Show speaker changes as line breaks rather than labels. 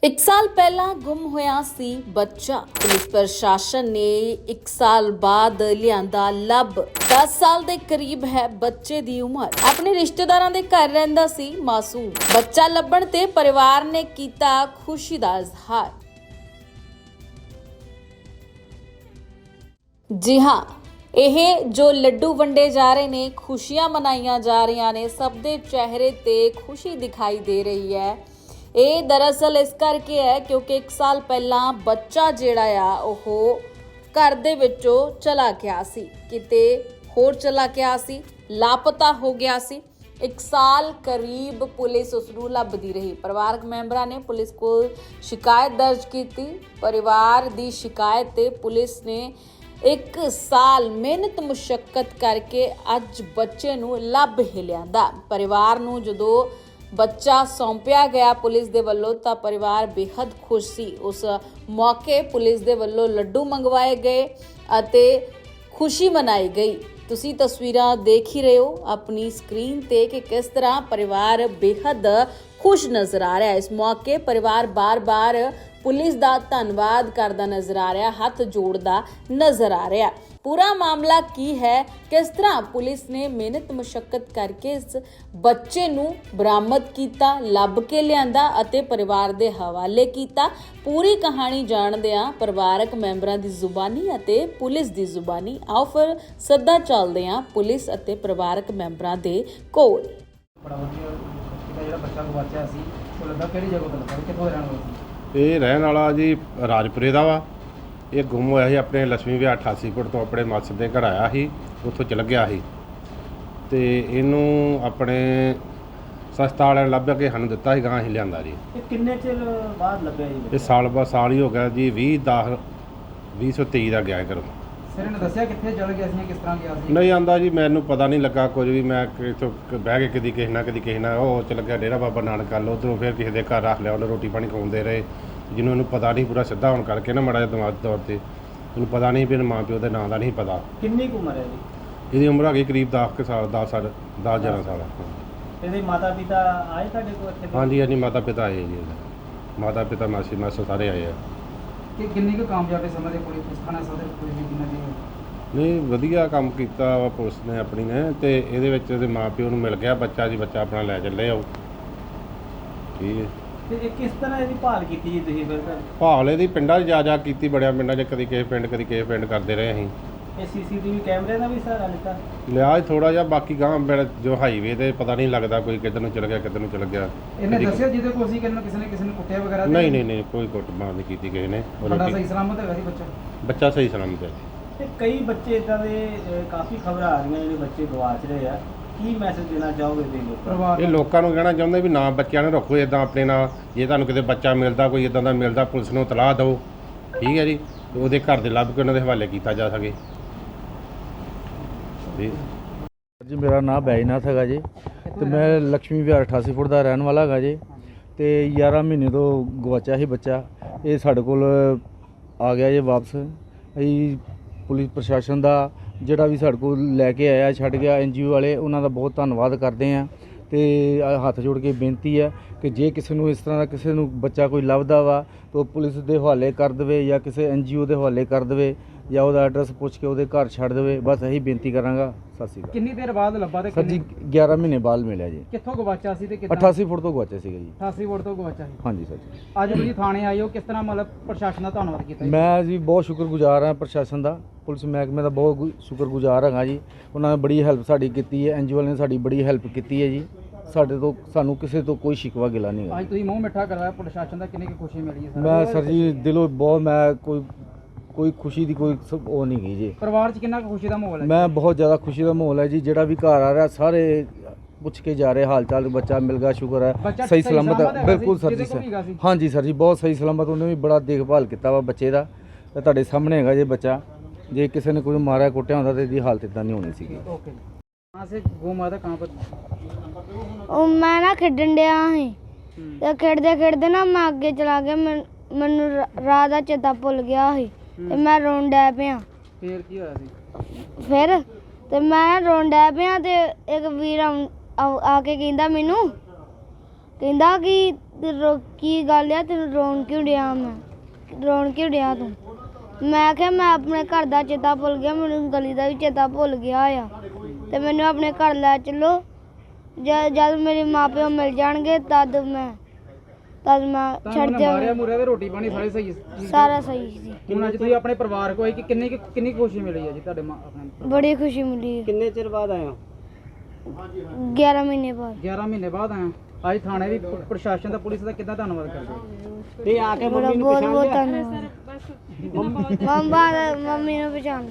एक साल पहला गुम होया सी बच्चा। पुलिस प्रशासन ने एक साल बाद लियांदा लब। 10 साल दे करीब है बच्चे दी उम्र। अपने रिश्तेदारां दे घर रहिंदा सी मासूम। बच्चा लभण ते परिवार ने कीता खुशी दा इजहार। जी हाँ, ਇਹ जो ਲੱਡੂ ਵੰਡੇ ਜਾ ਰਹੇ ਨੇ, ਖੁਸ਼ੀਆਂ ਮਨਾਈਆਂ ਜਾ ਰਹੀਆਂ ਨੇ, ਸਭ ਦੇ ਚਿਹਰੇ ਤੇ ਖੁਸ਼ੀ ਦਿਖਾਈ ਦੇ ਰਹੀ ਹੈ। ਇਹ ਦਰਅਸਲ ਇਸ ਕਰਕੇ ਹੈ ਕਿਉਂਕਿ 1 ਸਾਲ ਪਹਿਲਾਂ ਬੱਚਾ ਜਿਹੜਾ ਆ ਉਹ ਘਰ ਦੇ ਵਿੱਚੋਂ ਚਲਾ ਗਿਆ ਸੀ, ਕਿਤੇ ਹੋਰ ਚਲਾ ਗਿਆ ਸੀ, ਲਾਪਤਾ ਹੋ ਗਿਆ ਸੀ। 1 ਸਾਲ ਕਰੀਬ ਪੁਲਿਸ ਉਸ ਨੂੰ ਲੱਭਦੀ ਰਹੀ। ਪਰਿਵਾਰਕ ਮੈਂਬਰਾਂ ਨੇ ਪੁਲਿਸ ਕੋਲ ਸ਼ਿਕਾਇਤ ਦਰਜ ਕੀਤੀ। ਪਰਿਵਾਰ ਦੀ ਸ਼ਿਕਾਇਤ ਤੇ ਪੁਲਿਸ ਨੇ 1 ਸਾਲ ਮਿਹਨਤ ਮੁਸ਼ੱਕਤ ਕਰਕੇ ਅੱਜ ਬੱਚੇ ਨੂੰ ਲੱਭ ਹੀ ਲਿਆਂਦਾ। ਪਰਿਵਾਰ ਨੂੰ ਜਦੋਂ ਬੱਚਾ ਸੌਂਪਿਆ ਗਿਆ ਪੁਲਿਸ ਦੇ ਵੱਲੋਂ ਤਾਂ ਪਰਿਵਾਰ ਬੇहद ਖੁਸ਼ ਸੀ। ਉਸ ਮੌਕੇ ਪੁਲਿਸ ਦੇ ਵੱਲੋਂ ਲੱਡੂ ਮੰਗਵਾਏ ਗਏ ਅਤੇ ਖੁਸ਼ੀ ਮਨਾਈ ਗਈ। ਤੁਸੀਂ ਤਸਵੀਰਾਂ ਦੇਖ ਹੀ ਰਹੇ ਹੋ ਆਪਣੀ ਸਕਰੀਨ ਤੇ ਕਿ ਕਿਸ ਤਰ੍ਹਾਂ ਪਰਿਵਾਰ ਬੇहद ਖੁਸ਼ ਨਜ਼ਰ ਆ ਰਿਹਾ ਹੈ। ਇਸ ਮੌਕੇ ਪਰਿਵਾਰ ਬਾਰ-ਬਾਰ ਪੁਲਿਸ ਦਾ ਧੰਨਵਾਦ ਕਰਦਾ ਨਜ਼ਰ ਆ ਰਿਹਾ, ਹੱਥ ਜੋੜਦਾ ਨਜ਼ਰ ਆ ਰਿਹਾ। ਪੂਰਾ ਮਾਮਲਾ ਕੀ ਹੈ, ਕਿਸ ਤਰ੍ਹਾਂ ਪੁਲਿਸ ਨੇ ਮਿਹਨਤ ਮੁਸ਼ੱਕਤ ਕਰਕੇ ਇਸ ਬੱਚੇ ਨੂੰ ਬਰਾਮਦ ਕੀਤਾ, ਲੱਭ ਕੇ ਲਿਆਂਦਾ ਅਤੇ ਪਰਿਵਾਰ ਦੇ ਹਵਾਲੇ ਕੀਤਾ, ਪੂਰੀ ਕਹਾਣੀ ਜਾਣਦੇ ਹਾਂ ਪਰਿਵਾਰਕ ਮੈਂਬਰਾਂ ਦੀ ਜ਼ੁਬਾਨੀ ਅਤੇ ਪੁਲਿਸ ਦੀ ਜ਼ੁਬਾਨੀ। ਆਓ ਫਿਰ ਸੱਦਾ ਚੱਲਦੇ ਹਾਂ ਪੁਲਿਸ ਅਤੇ ਪਰਿਵਾਰਕ ਮੈਂਬਰਾਂ ਦੇ ਕੋਲ।
ਬੜਾ ਵਧੀਆ ਜਿਹੜਾ ਬੱਚਾ ਗਵਾਚਿਆ ਸੀ ਉਹ ਲੱਗਾ ਕਿਹੜੀ ਜਗ੍ਹਾ ਤੋਂ ਲੱਗਾ, ਕਿੱਥੋਂ ਰਹਿਣ ਵਾਲਾ ਸੀ?
ਇਹ ਰਹਿਣ ਵਾਲਾ ਜੀ ਰਾਜਪੁਰੇ ਦਾ ਵਾ। ਇਹ ਗੁੰਮ ਹੋਇਆ ਸੀ ਆਪਣੇ ਲక్ష్ਮੀ ਵਿਆਹ 88 ਫੁੱਟ ਤੋਂ ਆਪਣੇ ਮਾਸੜ ਦੇ ਘਰ ਆਇਆ ਸੀ, ਉੱਥੋਂ ਚਲ ਗਿਆ ਸੀ ਤੇ ਇਹਨੂੰ ਆਪਣੇ ਸਸਤਾ ਵਾਲਿਆਂ ਨੇ ਲੱਭ ਕੇ ਸਾਨੂੰ ਦਿੱਤਾ ਸੀ, ਗਾਂ ਅਸੀਂ ਲਿਆਂਦਾ ਜੀ।
ਇਹ ਕਿੰਨੇ ਚਿਰ ਬਾਅਦ ਲੱਭਿਆ ਜੀ?
ਇਹ ਸਾਲ ਹੀ ਹੋ ਗਿਆ ਜੀ। 2023 ਦਾ ਗਿਆ ਘਰੋਂ।
ਸਿਰ ਨੇ ਦੱਸਿਆ ਕਿੱਥੇ ਚਲ ਗਿਆ ਸੀ, ਕਿਸ ਤਰ੍ਹਾਂ ਗਿਆ ਸੀ?
ਨਹੀਂ ਆਂਦਾ ਜੀ, ਮੈਨੂੰ ਪਤਾ ਨਹੀਂ ਲੱਗਾ ਕੁਝ ਵੀ। ਮੈਂ ਇੱਥੋਂ ਬਹਿ ਕੇ ਕਦੀ ਕਿਸੇ ਨਾਲ ਉਹ ਚਲ ਗਿਆ ਡੇਰਾ ਬਾਬਾ ਨਾਨਕ ਵੱਲ, ਉੱਧਰੋਂ ਫਿਰ ਕਿਸੇ ਦੇ ਘਰ ਰੱਖ ਲਿਆ, ਉਹਨੇ ਰੋਟੀ ਪਾਣੀ ਖਵਾਉਂਦੇ ਰਹੇ। ਜਿਹਨੂੰ ਇਹਨੂੰ ਪਤਾ ਨਹੀਂ ਪੂਰਾ ਸਿੱਧਾ ਹੋਣ ਕਰਕੇ ਨਾ ਮਾੜਾ ਜਿਹਾ ਦਿਮਾਗ ਤੌਰ 'ਤੇ ਇਹਨੂੰ ਪਤਾ ਨਹੀਂ ਵੀ ਮਾਂ ਪਿਓ ਦੇ ਨਾਂ ਦਾ ਨਹੀਂ ਪਤਾ।
ਕਿੰਨੀ ਕੁ ਉਮਰ ਹੈ ਜੀ?
ਇਹਦੀ ਉਮਰ ਹੈਗੀ ਕਰੀਬ 10 ਸਾਲ 11 ਸਾਲ।
ਇਹਦੇ ਮਾਤਾ ਪਿਤਾ ਆਏ ਤੁਹਾਡੇ ਕੋਲ ਇੱਥੇ?
ਹਾਂਜੀ ਹਾਂਜੀ, ਮਾਤਾ ਪਿਤਾ ਆਏ ਜੀ। ਮਾਤਾ ਪਿਤਾ ਮਾਸੀ ਮਾਸਾ ਸਾਰੇ ਆਏ ਆ।
ਕਿ ਕਿੰਨੀ ਕੁ ਕਾਮਯਾਬੀ ਸਮਝਦੇ ਪੁਲਿਸ ਥਾਣਾ ਸਦਰ ਪੁਲਿਸ ਦੀ ਕਿੰਨਾ ਦੀ?
ਨਹੀਂ, ਵਧੀਆ ਕੰਮ ਕੀਤਾ ਵਾ ਪੁਲਿਸ ਨੇ ਆਪਣੀ ਨੇ। ਤੇ ਇਹਦੇ ਵਿੱਚ ਇਹਦੇ ਮਾਂ ਪਿਓ ਨੂੰ ਮਿਲ ਗਿਆ ਬੱਚਾ ਜੀ, ਬੱਚਾ ਆਪਣਾ ਲੈ ਚੱਲੇ ਆਓ। ਠੀਕ ਹੈ।
ਤੇ ਇਹ ਕਿਸ ਤਰ੍ਹਾਂ ਇਹਦੀ ਭਾਲ ਕੀਤੀ ਜੀ ਤੁਸੀਂ ਫਿਰ?
ਭਾਲ ਇਹਦੀ ਪਿੰਡਾਂ 'ਚ ਜਾ ਕੀਤੀ, ਬੜਿਆ ਪਿੰਡਾਂ 'ਚ, ਕਦੀ ਕਿਸੇ ਪਿੰਡ ਕਦੀ ਕਿਸੇ ਪਿੰਡ ਕਰਦੇ ਰਹੇ ਅਸੀਂ।
ਇਹ ਸੀਸੀਟੀਵੀ ਕੈਮਰੇ ਦਾ ਵੀ ਸਹਾਰਾ ਲਿੱਤਾ?
ਲਿਆ ਥੋੜਾ ਜਿਹਾ, ਬਾਕੀ ਗਾਂ ਜੋ ਹਾਈਵੇ ਤੇ ਪਤਾ ਨਹੀਂ ਲੱਗਦਾ ਕੋਈ ਕਿੱਧਰ ਨੂੰ ਚਲ ਗਿਆ ਕਿੱਧਰ ਨੂੰ ਚਲ ਗਿਆ।
ਇਹਨੇ ਦੱਸਿਆ ਜਿਹਦੇ ਕੋਲ ਸੀ ਕਿਸੇ ਨੇ ਕੁੱਟਿਆ ਵਗੈਰਾ?
ਨਹੀਂ, ਕੋਈ ਕੁੱਟਮਾਰ ਨਹੀਂ ਕੀਤੀ ਕਿਸੇ ਨੇ।
ਤੁਹਾਡਾ ਸਹੀ ਸਲਾਮਤ ਹੈਗਾ ਸੀ
ਬੱਚਾ ਸਹੀ ਸਲਾਮਤ ਹੈ।
ਤੇ ਕਈ ਬੱਚੇ ਇਦਾਂ ਦੇ ਕਾਫੀ ਖਬਰਾਂ ਆ ਰਹੀਆਂ ਜਿਹੜੇ ਬੱਚੇ ਗਵਾਚ ਰਹੇ ਆ, ਕੀ ਮੈਸੇਜ ਦੇਣਾ ਚਾਹੋਗੇ ਤੁਸੀਂ ਲੋਕਾਂ ਨੂੰ?
ਇਹ ਲੋਕਾਂ ਨੂੰ ਕਹਿਣਾ ਚਾਹੁੰਦੇ ਵੀ ਨਾ ਬੱਚਿਆਂ ਨੂੰ ਰੱਖੋ ਇਦਾਂ ਆਪਣੇ ਨਾਲ। ਜੇ ਤੁਹਾਨੂੰ ਕਿਤੇ ਬੱਚਾ ਮਿਲਦਾ, ਕੋਈ ਇਦਾਂ ਦਾ ਮਿਲਦਾ, ਪੁਲਿਸ ਨੂੰ ਇਤਲਾਹ ਦਿਓ। ਠੀਕ ਹੈ ਜੀ, ਤੇ ਉਹਦੇ ਘਰ ਦੇ ਲੱਭ ਕੇ ਉਹਨਾਂ ਦੇ ਹਵਾਲੇ ਕੀਤਾ ਜਾ ਸਕੇ
ਜੀ। ਮੇਰਾ ਨਾਮ ਬੈਜਨਾਥ ਹੈਗਾ ਜੀ ਤੇ ਮੈਂ ਲక్ష్ਮੀ ਵਿਹਾਰ 88 ਫੁੱਟ ਦਾ ਰਹਿਣ ਵਾਲਾ ਹੈਗਾ ਜੀ। ਤੇ 11 ਮਹੀਨੇ ਤੋਂ ਗਵਾਚਿਆ ਸੀ ਬੱਚਾ। ਇਹ ਸਾਡੇ ਕੋਲ ਆ ਗਿਆ ਜੀ ਵਾਪਸ। ਅਸੀਂ ਪੁਲਿਸ ਪ੍ਰਸ਼ਾਸਨ ਦਾ ਜਿਹੜਾ ਵੀ ਸਾਡੇ ਕੋਲ ਲੈ ਕੇ ਆਇਆ, ਛੱਡ ਗਿਆ, NGO ਵਾਲੇ, ਉਹਨਾਂ ਦਾ ਬਹੁਤ ਧੰਨਵਾਦ ਕਰਦੇ ਹਾਂ। ਤੇ ਹੱਥ ਜੋੜ ਕੇ ਬੇਨਤੀ ਹੈ ਕਿ ਜੇ ਕਿਸੇ ਨੂੰ ਇਸ ਤਰ੍ਹਾਂ ਦਾ ਕਿਸੇ ਨੂੰ ਬੱਚਾ ਕੋਈ ਲੱਭਦਾ ਵਾ ਤਾਂ ਉਹ ਪੁਲਿਸ ਦੇ ਹਵਾਲੇ ਕਰ ਦੇਵੇ ਜਾਂ ਕਿਸੇ NGO ਦੇ ਹਵਾਲੇ ਕਰ ਦੇਵੇ ਜਾਂ ਉਹਦਾ ਐਡਰੈਸ ਪੁੱਛ ਕੇ ਉਹਦੇ ਘਰ ਛੱਡ ਦੇਵੇ। ਬਸ ਇਹੀ ਬੇਨਤੀ ਕਰਾਂਗਾ। ਸਤਿ ਸ਼੍ਰੀ ਅਕਾਲ।
ਕਿੰਨੀ ਦੇਰ ਬਾਅਦ ਲੱਭਾ ਤੇ
ਸਰ ਜੀ 11 ਮਹੀਨੇ ਬਾਅਦ ਮਿਲਿਆ ਜੀ।
ਕਿੱਥੋਂ ਗਵਾਚਿਆ ਸੀ ਤੇ ਕਿੱਦਾਂ?
88 ਫੁੱਟ ਤੋਂ ਗਵਾਚਿਆ ਸੀਗਾ ਜੀ।
88 ਫੁੱਟ ਤੋਂ ਗਵਾਚਿਆ ਸੀ।
ਹਾਂਜੀ ਸਰ ਜੀ।
ਅੱਜ ਤੁਸੀਂ ਥਾਣੇ ਆਏ ਹੋ, ਕਿਸ ਤਰ੍ਹਾਂ ਮਤਲਬ ਪ੍ਰਸ਼ਾਸਨ ਦਾ ਧੰਨਵਾਦ ਕੀਤਾ ਜੀ?
ਮੈਂ ਜੀ ਬਹੁਤ ਸ਼ੁਕਰਗੁਜ਼ਾਰ ਹਾਂ ਪ੍ਰਸ਼ਾਸਨ ਦਾ, ਪੁਲਿਸ ਮਹਿਕਮੇ ਦਾ ਬਹੁਤ ਸ਼ੁਕਰਗੁਜ਼ਾਰ ਹੈਗਾ ਜੀ। ਉਹਨਾਂ ਨੇ ਬੜੀ ਹੈਲਪ ਸਾਡੀ ਕੀਤੀ ਹੈ। NGO ਨੇ ਸਾਡੀ ਬੜੀ ਹੈਲਪ ਕੀਤੀ ਹੈ ਜੀ। ਸਾਨੂੰ ਕਿਸੇ ਤੋਂ ਕੋਈ ਸ਼ਿਕਵਾ ਗਿਲਾ ਨਹੀਂ ਹੈ।
ਅੱਜ ਤੁਸੀਂ ਮੂੰਹ ਮਿੱਠਾ ਕਰਵਾਇਆ ਪ੍ਰਸ਼ਾਸਨ ਦਾ, ਕਿੰਨੀ ਕੁ ਖੁਸ਼ੀ ਮਿਲੀ ਹੈ?
ਮੈਂ ਸਰ ਜੀ ਦਿਲੋਂ ਬਹੁਤ, ਮੈਂ ਕੋਈ ਖੁਸ਼ੀ ਦੀ ਕੋਈ ਉਹ ਨਹੀਂ ਗਈ ਜੀ।
ਪਰਿਵਾਰ 'ਚ ਕਿੰਨਾ ਕੁ ਖੁਸ਼ੀ ਦਾ ਮਾਹੌਲ ਹੈ?
ਮੈਂ ਬਹੁਤ ਜ਼ਿਆਦਾ ਖੁਸ਼ੀ ਦਾ ਮਾਹੌਲ ਹੈ ਜੀ। ਜਿਹੜਾ ਵੀ ਘਰ ਆ ਰਿਹਾ ਸਾਰੇ ਪੁੱਛ ਕੇ ਜਾ ਰਹੇ ਹਾਲ ਚਾਲ। ਬੱਚਾ ਮਿਲ ਗਿਆ, ਸ਼ੁਕਰ ਹੈ, ਸਹੀ ਸਲਾਮਤ ਹੈ। ਬਿਲਕੁਲ ਸਰ ਜੀ। ਹਾਂਜੀ ਸਰ ਜੀ, ਬਹੁਤ ਸਹੀ ਸਲਾਮਤ। ਉਹਨੇ ਵੀ ਬੜਾ ਦੇਖਭਾਲ ਕੀਤਾ ਵਾ ਬੱਚੇ ਦਾ। ਤੇ ਤੁਹਾਡੇ ਸਾਹਮਣੇ ਹੈਗਾ ਜੇ ਬੱਚਾ। ਜੇ ਕਿਸੇ ਨੇ ਕੋਈ ਮਾਰਿਆ ਕੁੱਟਿਆ ਹੁੰਦਾ ਤਾਂ ਇਹਦੀ ਹਾਲਤ ਇਦਾਂ ਨਹੀਂ ਹੋਣੀ ਸੀਗੀ।
ਓਕੇ। ਕਹਾਂ ਸੇ ਗੁੰਮ ਹੋਇਆ था, कहाँ पर?
ਉਹ ਮੈਂ ਨਾ ਖੇਡਣ ਡਿਆ ਸੀ ਤੇ ਖੇਡਦੇ ਨਾ ਮੈਂ ਅੱਗੇ ਚਲਾ ਗਿਆ। ਮੈਨੂੰ ਰਾਹ ਦਾ ਚੇਤਾ ਭੁੱਲ ਗਿਆ ਸੀ ਤੇ ਮੈਂ ਰੋਣ ਡੈ ਪਿਆ।
ਫੇਰ ਕੀ ਹੋਇਆ ਸੀ?
ਫਿਰ ਤੇ ਮੈਂ ਰੋਣ ਡੈ ਪਿਆ ਤੇ ਇੱਕ ਵੀਰ ਆ ਕੇ ਕਹਿੰਦਾ ਮੈਨੂੰ, ਕਹਿੰਦਾ ਕਿ ਕੀ ਗੱਲ ਆ, ਤੈਨੂੰ ਰੋਣ ਕਿਉਂ ਡਿਆ? ਰੋਣ ਕਿਉਂ ਡਿਆ ਤੂੰ? ਮੈਂ ਕਿਹਾ ਮੈਂ ਆਪਣੇ ਘਰ ਦਾ ਚੇਤਾ ਭੁੱਲ ਗਿਆ, ਮੈਨੂੰ ਗਲੀ ਦਾ ਵੀ ਚੇਤਾ ਭੁੱਲ ਗਿਆ ਆ, ਤੇ ਮੈਨੂੰ ਆਪਣੇ ਘਰ ਲੈ ਚੱਲੋ। ਜਦ ਮੇਰੇ ਮਾਪਿਓ ਮਿਲ ਜਾਣਗੇ ਤਦ ਮੈਂ ਛੱਡ
ਮਾਰਿਆ ਮੁਰਿਆ ਤੇ ਰੋਟੀ ਪਾਣੀ ਸਾਰੇ ਸਹੀ ਸੀ?
ਸਾਰਾ ਸਹੀ ਸੀ।
ਹੁਣ ਅੱਜ ਤੁਸੀਂ ਆਪਣੇ ਪਰਿਵਾਰ ਕੋਲ ਆਏ ਕਿ ਕਿੰਨੀ ਖੁਸ਼ੀ ਮਿਲੀ ਹੈ ਜੀ ਤੁਹਾਡੇ ਆਪਣੇ?
ਬੜੀ ਖੁਸ਼ੀ ਮਿਲੀ।
ਕਿੰਨੇ ਚਿਰ ਬਾਅਦ ਆਏ ਹੋ?
11 ਮਹੀਨੇ ਬਾਅਦ।
11 ਮਹੀਨੇ ਬਾਅਦ ਆਇਆ। ਅੱਜ ਥਾਣੇ ਦੀ ਪ੍ਰਸ਼ਾਸਨ ਦਾ, ਪੁਲਿਸ ਦਾ ਕਿੱਦਾਂ ਧੰਨਵਾਦ ਕਰਦੇ ਹੋ?
ਤੇ ਆ ਕੇ
ਬੜਾ
ਮੰਮੀ ਨੂੰ
ਬਹੁਤ
ਪਛਾਣ
ਬਹੁਤ
ਲਿਆ?
ਧੰਨਵਾਦ। ਮੰਮੀ ਨੂੰ ਪਛਾਣ